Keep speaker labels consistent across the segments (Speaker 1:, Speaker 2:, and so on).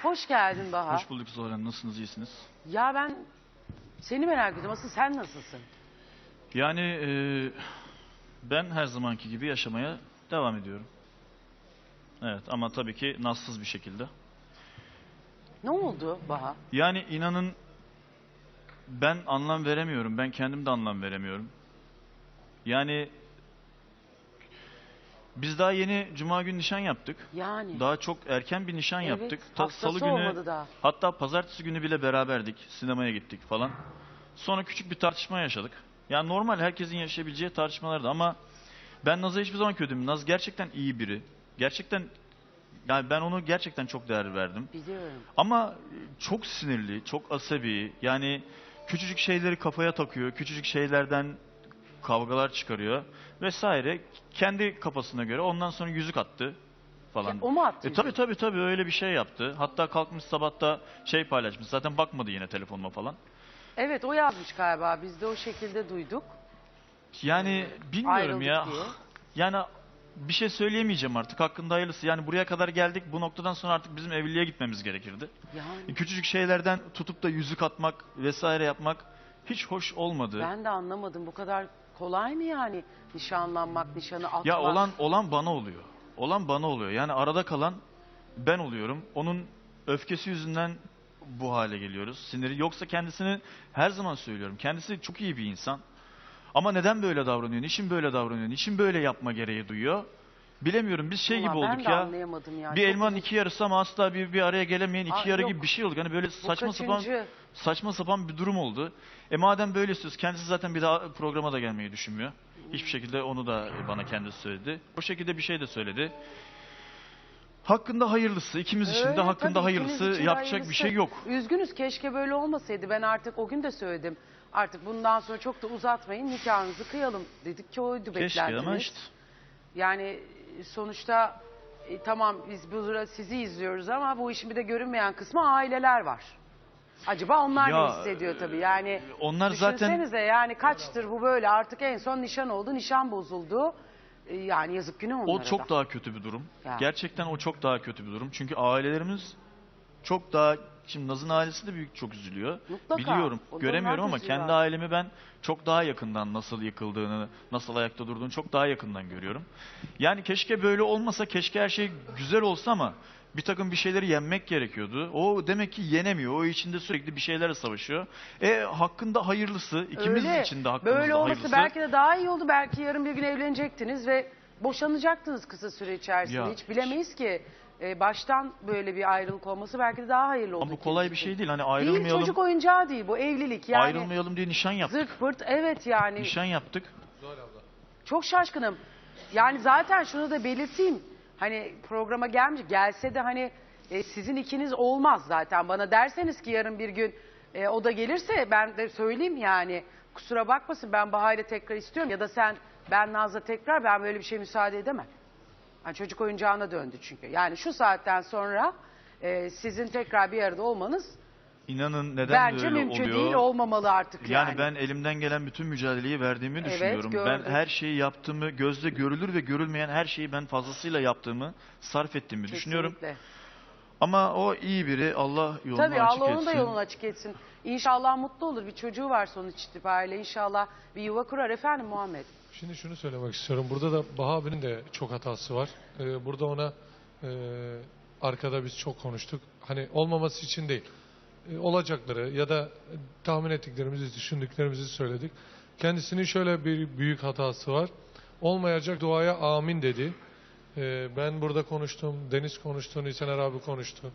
Speaker 1: Hoş geldin Baha.
Speaker 2: Hoş bulduk Zuhal Hanım. Nasılsınız? İyisiniz?
Speaker 1: Ya ben seni merak ediyorum. Asıl sen nasılsın?
Speaker 2: Yani ben her zamanki gibi yaşamaya devam ediyorum. Evet ama tabii ki nazsız bir şekilde.
Speaker 1: Ne oldu Baha?
Speaker 2: Yani inanın ben anlam veremiyorum. Ben kendim de anlam veremiyorum. Yani biz daha yeni Cuma günü nişan yaptık.
Speaker 1: Yani.
Speaker 2: Daha çok erken bir nişan
Speaker 1: Evet,
Speaker 2: yaptık.
Speaker 1: haftası
Speaker 2: Salı günü,
Speaker 1: olmadı daha.
Speaker 2: hatta pazartesi günü bile beraberdik. Sinemaya gittik falan. Sonra küçük bir tartışma yaşadık. Yani normal herkesin yaşayabileceği tartışmalardı ama ben Naz'a hiçbir zaman kötüyüm. Naz gerçekten iyi biri. Gerçekten yani ben onu gerçekten çok değer verdim.
Speaker 1: Biliyorum.
Speaker 2: Ama çok sinirli, çok asabi. Yani küçücük şeyleri kafaya takıyor. Küçücük şeylerden kavgalar çıkarıyor vesaire. Kendi kafasına göre ondan sonra yüzük attı falan.
Speaker 1: O mu attı
Speaker 2: Tabii öyle bir şey yaptı. Hatta kalkmış sabahta şey paylaşmış. Zaten bakmadı yine telefonuma falan.
Speaker 1: Evet, o yazmış galiba. Biz de o şekilde duyduk.
Speaker 2: Yani bilmiyorum
Speaker 1: Ayrıldık
Speaker 2: ya.
Speaker 1: diye.
Speaker 2: Yani bir şey söyleyemeyeceğim artık. Hakkında hayırlısı. Yani buraya kadar geldik. Bu noktadan sonra artık bizim evliliğe gitmemiz gerekirdi.
Speaker 1: Yani
Speaker 2: Küçücük şeylerden tutup da yüzük atmak vesaire yapmak hiç hoş olmadı.
Speaker 1: ben de anlamadım. Bu kadar kolay mı yani nişanlanmak, nişanı atmak?
Speaker 2: Ya olan bana oluyor. Olan bana oluyor. Yani arada kalan ben oluyorum. Onun öfkesi yüzünden bu hale geliyoruz. Siniri. Yoksa kendisini her zaman söylüyorum. Kendisi çok iyi bir insan. Ama neden böyle davranıyor? Niçin böyle davranıyor? Niçin böyle yapma gereği duyuyor? Bilemiyorum. Biz şey
Speaker 1: Vallahi
Speaker 2: gibi
Speaker 1: ben
Speaker 2: olduk
Speaker 1: de
Speaker 2: ya.
Speaker 1: anlayamadım ya.
Speaker 2: Bir
Speaker 1: Çok
Speaker 2: elmanın
Speaker 1: uzun-
Speaker 2: iki yarısı ama asla bir araya gelemeyen iki yarı
Speaker 1: yok.
Speaker 2: gibi bir şey olduk. Hani böyle saçma
Speaker 1: kaçıncı?
Speaker 2: saçma sapan bir durum oldu. Madem böyle istiyoruz, kendisi zaten bir daha programa da gelmeyi düşünmüyor. Hiçbir şekilde onu da bana kendisi söyledi. O şekilde bir şey de söyledi. Hakkında hayırlısı, ikimiz için de
Speaker 1: Öyle,
Speaker 2: hakkında
Speaker 1: tabii,
Speaker 2: hayırlısı,
Speaker 1: ikiniz için de
Speaker 2: yapacak
Speaker 1: hayırlısı.
Speaker 2: bir şey yok.
Speaker 1: Üzgünüz, keşke böyle olmasaydı. Ben artık o gün de söyledim. Artık bundan sonra çok da uzatmayın, nikahınızı kıyalım dedik ki oydu
Speaker 2: Keşke
Speaker 1: beklentiniz.
Speaker 2: ama işte.
Speaker 1: Yani sonuçta tamam biz burada sizi izliyoruz ama bu işin bir de görünmeyen kısmı aileler var. Acaba onlar
Speaker 2: Ya,
Speaker 1: ne hissediyor tabii yani.
Speaker 2: onlar zaten-
Speaker 1: Düşünsenize yani kaçtır bu böyle, artık en son nişan oldu, nişan bozuldu. Yani yazık günah onlara
Speaker 2: O çok
Speaker 1: da.
Speaker 2: daha kötü bir durum.
Speaker 1: Ya.
Speaker 2: Gerçekten o çok daha kötü bir durum. Çünkü ailelerimiz çok daha... Şimdi Naz'ın ailesi de çok üzülüyor.
Speaker 1: Mutlaka.
Speaker 2: Biliyorum,
Speaker 1: Onlar
Speaker 2: göremiyorum
Speaker 1: da
Speaker 2: ama
Speaker 1: üzülüyor.
Speaker 2: kendi ailemi ben çok daha yakından nasıl yıkıldığını, nasıl ayakta durduğunu çok daha yakından görüyorum. Yani keşke böyle olmasa, keşke her şey güzel olsa ama bir takım bir şeyleri yenmek gerekiyordu. O demek ki yenemiyor. O içinde sürekli bir şeylerle savaşıyor. Hakkında hayırlısı, ikimiz
Speaker 1: Öyle.
Speaker 2: için de hakkımızda
Speaker 1: Böyle olması
Speaker 2: hayırlısı.
Speaker 1: belki de daha iyi oldu. Belki yarın bir gün evlenecektiniz ve boşanacaktınız kısa süre içerisinde.
Speaker 2: Ya.
Speaker 1: Hiç bilemeyiz ki. Baştan böyle bir ayrılık olması belki de daha hayırlı oldu.
Speaker 2: Ama bu kolay bir
Speaker 1: ikiniz
Speaker 2: şey
Speaker 1: için.
Speaker 2: değil. Hani
Speaker 1: Değil,
Speaker 2: ayrılmayalım,
Speaker 1: çocuk oyuncağı değil bu, evlilik yani.
Speaker 2: ayrılmayalım diye nişan yaptık.
Speaker 1: Zırt pırt, evet yani.
Speaker 2: Nişan yaptık.
Speaker 1: Çok şaşkınım. Yani zaten şunu da belirteyim. Hani programa gelmiş, gelse de hani sizin ikiniz olmaz zaten. Bana derseniz ki yarın bir gün o da gelirse ben de söyleyeyim yani. Kusura bakmasın, ben Baha'yla tekrar istiyorum ya da ben Naz'la tekrar, ben böyle bir şey müsaade edemem. Yani çocuk oyuncağına döndü çünkü. Yani şu saatten sonra sizin tekrar bir arada olmanız
Speaker 2: İnanın neden
Speaker 1: bence
Speaker 2: böyle
Speaker 1: mümkün
Speaker 2: oluyor?
Speaker 1: değil, olmamalı artık yani.
Speaker 2: Yani ben elimden gelen bütün mücadeleyi verdiğimi
Speaker 1: Evet,
Speaker 2: düşünüyorum.
Speaker 1: gördüm.
Speaker 2: Ben her şeyi yaptığımı, gözle görülür ve görülmeyen her şeyi ben fazlasıyla yaptığımı, sarf ettiğimi düşünüyorum.
Speaker 1: Kesinlikle.
Speaker 2: Ama o iyi biri, Allah yolunu
Speaker 1: Tabii
Speaker 2: açık
Speaker 1: Allah
Speaker 2: etsin.
Speaker 1: onun da yolunu açık etsin. İnşallah mutlu olur. Bir çocuğu var sonuç itibariyle. İnşallah bir yuva kurar. Efendim Muhammed.
Speaker 3: Şimdi şunu söylemek istiyorum. Burada da Baha abinin de çok hatası var. Burada ona arkada biz çok konuştuk. Hani olmaması için değil. Olacakları ya da tahmin ettiklerimizi, düşündüklerimizi söyledik. Kendisinin şöyle bir büyük hatası var. Olmayacak duaya amin dedi. Ben burada konuştum, Deniz konuştu, Nisener abi konuştu.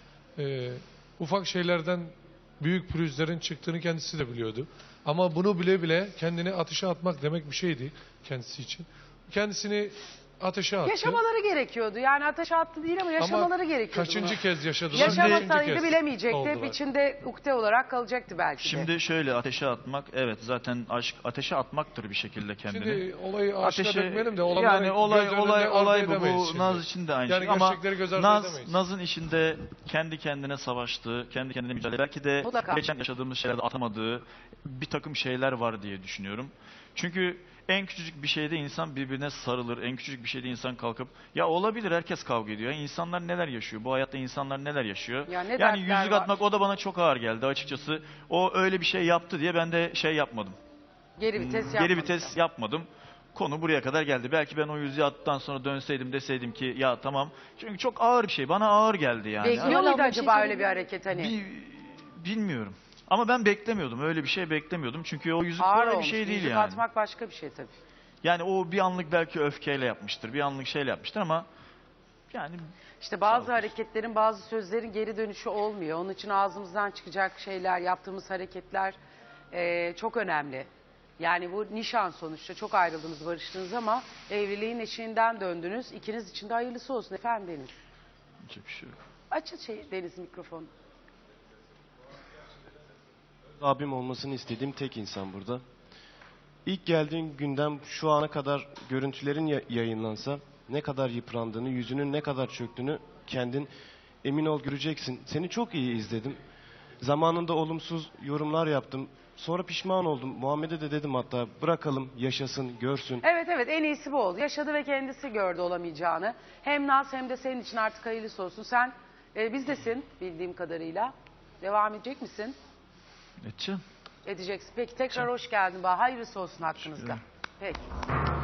Speaker 3: Ufak şeylerden büyük pürüzlerin çıktığını kendisi de biliyordu. Ama bunu bile bile kendini ateşe atmak demek bir şeydi kendisi için. Kendisini ateşe attı.
Speaker 1: Yaşamaları gerekiyordu. Yani ateşe attı değil ama yaşamaları gerekiyordu.
Speaker 3: Kaçıncı
Speaker 1: bunu.
Speaker 3: kez yaşadılar?
Speaker 1: Yaşamasaydı
Speaker 3: Üçüncü kez
Speaker 1: bilemeyecekti. Hep
Speaker 3: oldular.
Speaker 1: içinde ukde olarak kalacaktı belki de.
Speaker 2: Şimdi şöyle ateşe atmak, evet zaten aşk ateşe atmaktır bir şekilde kendini.
Speaker 3: Şimdi olayı aşka
Speaker 2: Ateşe-
Speaker 3: dökmeyelim de
Speaker 2: yani olay
Speaker 3: arzu
Speaker 2: bu.
Speaker 3: edemeyiz
Speaker 2: Bu
Speaker 3: şimdi.
Speaker 2: Naz için de aynı
Speaker 3: Yani
Speaker 2: şey ama
Speaker 3: gerçekleri göz ardı edemeyiz.
Speaker 2: Naz'ın işinde kendi kendine savaştığı, kendi kendine mücadele, belki de
Speaker 1: Mutlaka.
Speaker 2: geçen yaşadığımız şeylerde atamadığı bir takım şeyler var diye düşünüyorum. Çünkü En küçücük bir şeyde insan birbirine sarılır. En küçücük bir şeyde insan kalkıp ya olabilir, herkes kavga ediyor. Ya İnsanlar neler yaşıyor? Bu hayatta insanlar neler yaşıyor?
Speaker 1: Ya ne
Speaker 2: Yani
Speaker 1: dertler
Speaker 2: yüzük
Speaker 1: var.
Speaker 2: atmak o da bana çok ağır geldi açıkçası. O öyle bir şey yaptı diye ben de şey yapmadım.
Speaker 1: Geri vites
Speaker 2: Geri
Speaker 1: yapmamışsın.
Speaker 2: vites yapmadım. Konu buraya kadar geldi. Belki ben o yüzüğü attıktan sonra dönseydim, deseydim ki ya tamam. Çünkü çok ağır bir şey. Bana ağır geldi yani.
Speaker 1: Bekliyor
Speaker 4: Zuhal
Speaker 1: muydu
Speaker 4: abla, bir
Speaker 1: acaba
Speaker 4: şey
Speaker 1: öyle bir hareket hani?
Speaker 2: Bilmiyorum. Ama ben beklemiyordum. Öyle bir şey beklemiyordum. Çünkü o yüzük
Speaker 1: Ağır
Speaker 2: kolay bir
Speaker 1: olmuş.
Speaker 2: şey değil
Speaker 1: Yüzük
Speaker 2: yani.
Speaker 1: atmak başka bir şey tabii.
Speaker 2: Yani o bir anlık belki öfkeyle yapmıştır. Bir anlık şeyle yapmıştır ama yani
Speaker 1: İşte bazı
Speaker 2: Sağ ol.
Speaker 1: hareketlerin, bazı sözlerin geri dönüşü olmuyor. Onun için ağzımızdan çıkacak şeyler, yaptığımız hareketler çok önemli. Yani bu nişan sonuçta, çok ayrıldınız, barıştınız ama evliliğin eşiğinden döndünüz. İkiniz için de hayırlısı olsun efendim Deniz.
Speaker 2: yapacak bir şey yok.
Speaker 1: Açın Deniz mikrofonu.
Speaker 5: Abim olmasını istediğim tek insan burada. İlk geldiğin günden şu ana kadar görüntülerin yayınlansa ne kadar yıprandığını, yüzünün ne kadar çöktüğünü kendin emin ol göreceksin. Seni çok iyi izledim. Zamanında olumsuz yorumlar yaptım. Sonra pişman oldum. Muhammed'e de dedim hatta bırakalım, yaşasın, görsün.
Speaker 1: Evet en iyisi bu oldu. Yaşadı ve kendisi gördü olamayacağını. Hem Naz hem de senin için artık hayırlısı olsun. Sen bizdesin bildiğim kadarıyla. Devam edecek misin?
Speaker 2: Edeceğim.
Speaker 1: Edeceksin. Peki tekrar hoş geldin. Hayırlısı olsun hakkınızda. Peki.